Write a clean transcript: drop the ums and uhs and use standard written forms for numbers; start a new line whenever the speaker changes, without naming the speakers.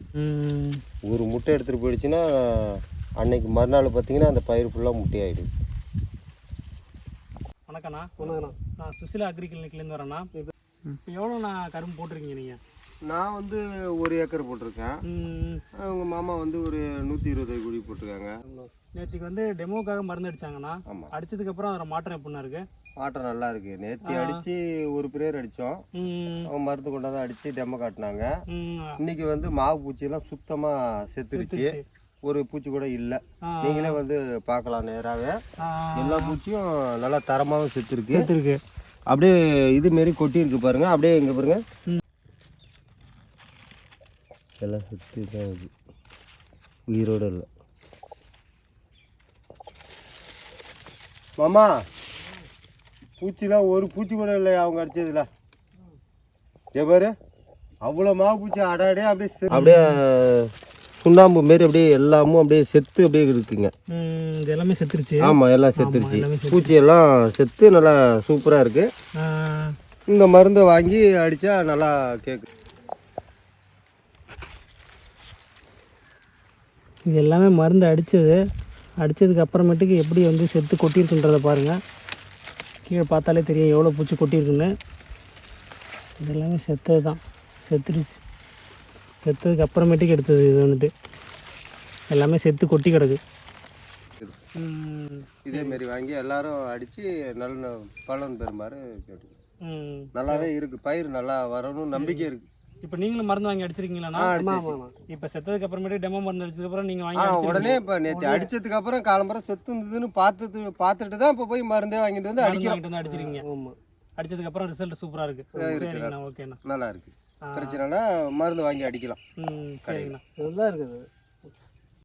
ஒரு முட்டை எடுத்துகிட்டு போயிடுச்சுன்னா அன்னைக்கு மறுநாள் பார்த்தீங்கன்னா அந்த பயிர் ஃபுல்லாக முட்டையாயிடுது.
வணக்கண்ணா. வணக்கண்ணா. நான் சுசிலா அக்ரி கிளினிக்லேருந்து வரேண்ணா. இப்போ எவ்வளோண்ணா கரும்பு போட்டிருக்கீங்க நீங்கள்?
நான் வந்து 1 ஏக்கர் போட்டிருக்கேன். அவங்க மாமா வந்து ஒரு 120 குழி போட்டிருக்காங்க.
நேற்றுக்கு வந்து டெமோக்காக மருந்து அடித்தாங்கண்ணா.
ஆமாம்.
அடித்ததுக்கப்புறம் அதில் மாற்றம் எப்படின்னா இருக்குது?
மாற்றம் நல்லா இருக்குது. நேற்று அடித்து ஒரு பிரேயர் அடித்தோம். அவங்க மருந்து கொண்டாந்து அடித்து டெமோ காட்டினாங்க. இன்னைக்கு வந்து மாவு பூச்சியெல்லாம் சுத்தமாக செத்துருச்சு. ஒரு பூச்சி கூட இல்லை. நீங்களே வந்து பார்க்கலாம் நேராகவே. எல்லா பூச்சியும் நல்லா தரமாகவும் செத்துருக்கு. அப்படியே இதுமாரி கொட்டியிருக்கு பாருங்கள். அப்படியே இங்கே பாருங்கள், எல்லாம் சுற்றி தான் இருக்குது, உயிரோடு இல்லை. மாமா பூச்சிலாம் ஒரு பூச்சி கூட இல்லை அவங்க அடித்ததுல. பாரு அவ்வளோ மாவு பூச்சி அடாடே அப்படியே சுண்ணாம்பு மாரி அப்படியே எல்லாமும் அப்படியே செத்து அப்படியே இருக்குங்க.
இது எல்லாமே செத்துருச்சு.
ஆமாம், எல்லாம் செத்துருச்சு. பூச்சி எல்லாம் செத்து நல்லா சூப்பராக இருக்குது. இந்த மருந்தை வாங்கி அடித்தா நல்லா கேட்கு.
இது எல்லாமே மருந்து அடித்ததுக்கு அப்புறமேட்டுக்கு எப்படி வந்து செத்து கொட்டியிருக்குன்றதை பாருங்கள். கீழே பார்த்தாலே தெரியும் எவ்வளோ பூச்சி கொட்டியிருக்குன்னு. இது எல்லாமே செத்தது தான், செத்துருச்சு. செத்ததுக்கு அப்புறமேட்டுக்கு எடுத்தது இது வந்துட்டு எல்லாமே செத்து கொட்டி கிடக்கு.
இதேமாரி வாங்கி எல்லாரும் அடித்து நல்ல பலன் பெறுமாறு கேட்டு. நல்லாவே இருக்குது, பயிர் நல்லா வரணும் நம்பிக்கை இருக்குது.
இப்போ நீங்களும் மருந்து வாங்கி அடிச்சிருக்கீங்களா? இப்போ செத்ததுக்கு அப்புறமேட்டு டெமோ மருந்து அடிச்சதுக்கப்புறம் நீங்கள் வாங்கி
உடனே இப்போ நேற்று அடிச்சதுக்கு அப்புறம் காலம்பரம் செத்து இருந்ததுன்னு பார்த்துட்டு தான் இப்போ போய் மருந்தே வாங்கிட்டு வந்து
அடிச்சிருக்கீங்க. அடிச்சதுக்கப்புறம் ரிசல்ட் சூப்பராக இருக்குது. ஓகேண்ணா,
நல்லா இருக்குது. பிரச்சனைனா மருந்து வாங்கி அடிக்கலாம்.
சரிங்கண்ணா, இதுதான் இருக்குது.